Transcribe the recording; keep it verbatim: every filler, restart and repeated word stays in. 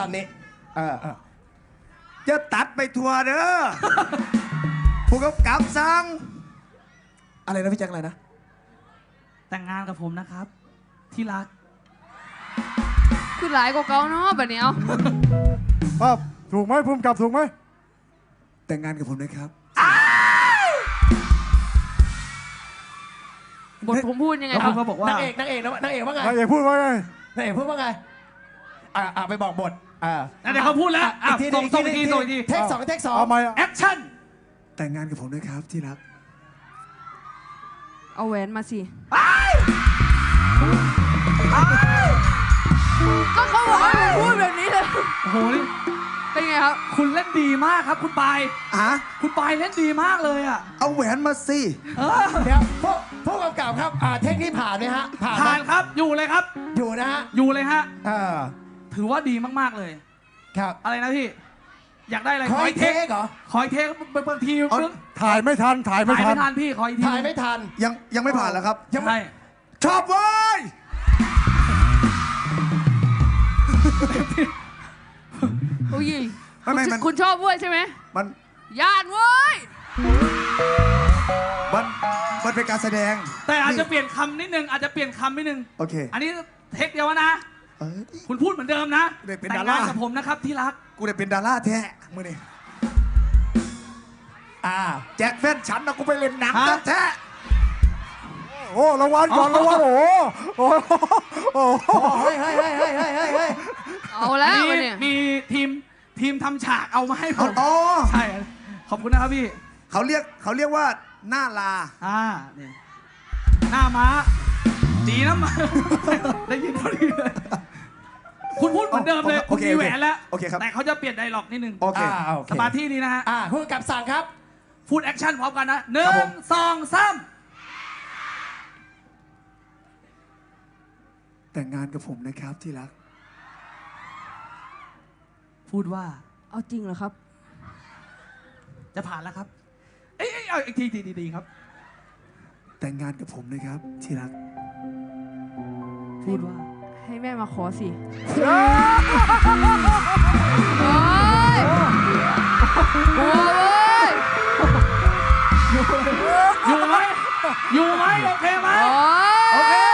ตอนนี้เออเออจะตัดไปทัวร์เด้อ ผู้กำกับสั่งอะไรนะพี่แจ็คอะไรนะแต่งงานกับผมนะครับที่รักคือหลายกว่าเก่าเนาะแบบนี้เอาป้าถูกไหมภูมิกับถูกไหมแต่งงานกับผมนะครับบทผมพูดยังไงแล้วคุณก็บอกว่านางเอกนางเอกนางเอกว่าไงนายเอกพูดว่าไงนางเอกพูดว่าไงอ่าอ่าไปบอกบทอ่าเดี๋ยวเขาพูดแล้วอ่ะส่งส่งอีกทีส่งอีกทีเทคสองเทคสองเอาไหมแอคชั่นแต่งงานกับผมนะครับที่รักเอาแหวนมาสิก็เขาบอกให้ผมพูดแบบนี้เลยโอ้โหนี่เป็นไงครับคุณเล่นดีมากครับคุณปายอ่ะคุณปายเล่นดีมากเลยอ่ะเอาแหวนมาสิเออเดี๋ยวผู้ผู้กำกับครับอ่าเทคนี้ผ่านไหมฮะผ่านไหมผ่านครับอยู่เลยครับอยู่นะฮะอยู่เลยฮะเออถือว่าดีมากๆเลยครับอะไรนะพี่อยากได้อะไรขออีกเทคเหรอขออีกเทคบางทีเอาถ่ายไม่ทันถ่ายไม่ถ่ายทัไม่นทันพี่ขออีกทีถ่ายไม่ทันยังยังไม่ผ่านแล้วครับยังไม่ใช่ชอบเว้ยโอ้ยไม่ไม่มันคุณชอบเว้ยใช่ไหมมันญาติเว้ยมันมันเป็นการแสดงแต่อาจจะเปลี่ยนคำนิดนึงอาจจะเปลี่ยนคำนิดนึงโอเคอันนี้เทคเดียวนะเออคุณพูดเหมือนเดิมนะเด็กเป็นแต่ดาง รางานกับผมนะครับที่รักกูได้เป็นดาราแท้มือนี่อ่าแจ็คแฟนฉันนะกูไปเล่นหนังฮะแท้โอ้รางวัลก่อนรางวัลโอ้โหโอ้โหโอ้โหเฮ้ยเฮ้ยเฮ้ยเฮ้ยเฮ้ยเฮ้ยเฮ้ยเอาแล้วมีวะเนี่ยมีทีมทีมทำฉากเอามาให้ผอ๋อมอ๋อใช่ขอบคุณนะครับพี่เขาเรียกเขาเรียกว่าหน้าลาอ่านี่หน้าม้าดีนะมา ได้ยินพอดีเลยคุณพูดเหมือนเดิมเลยโอคุณเคมีแหวนแล้วโอเคครับแต่เขาจะเปลี่ยนไดร็อกนิดนึงโอเคอ่าโอเคสมาธิดีนะฮะอ่าผู้กำกับสั่งครับพูดแอคชั่นพร้อมกันนะหครันึ่บผงมสองสามแต่งงานกับผมนะครับที่รักพูดว่าเอาจริงเหรอครับจะผ่านแล้วครับ เอ้ยเอ้ยเอาอีกทีดีดีๆครับแต่งงานกับผมนะครับที่รักพูดว่าให้แม่มาขอสิโอ้ยกลัวเว้ยอยู่ไหมอยู่ไหมโอเคไหมโอ้โอเคย